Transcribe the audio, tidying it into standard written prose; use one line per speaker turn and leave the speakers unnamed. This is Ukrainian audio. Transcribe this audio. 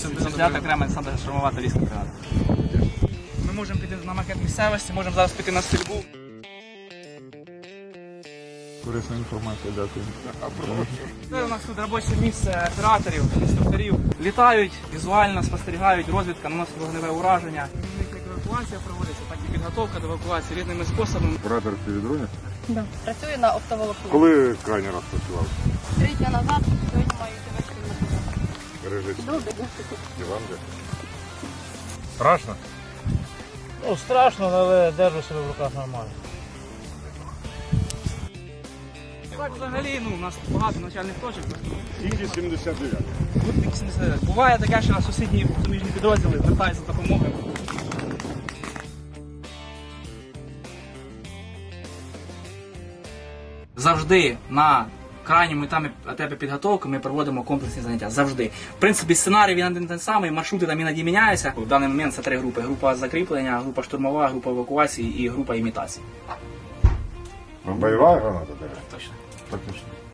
взяти окремо десантно-штурмова таврійська бригада. Ми можемо піти на макет місцевості, можемо зараз піти на стрільбу.
Корисна інформація, дякую.
Це у нас тут робоче місце операторів, інструкторів. Літають, візуально спостерігають, розвідка, наносить вогневе ураження. Як евакуація проводиться, так і підготовка до евакуації різними способами.
Оператор в дроні?
Да. Працюю на оптоволокні.
Коли крайній раз працював?
3 дні назад, сьогодні маю тебе спільно.
Бережіть.
Добре, дякую.
Іван, страшно?
Ну, страшно, але держу себе в руках нормально.
Так, взагалі, у нас багато навчальних точок.
Тільки 79.
Буває таке, що сусідні суміжні підрозділи звертаються за допомогою. Завжди на крайньому етапі підготовки ми проводимо комплексні заняття. Завжди. В принципі, сценарій він один той самий, маршрути там іноді міняються. В даний момент це 3 групи. Група закріплення, група штурмова, група евакуації і група імітації.
Бойова граната така?
Точно.
Так точно.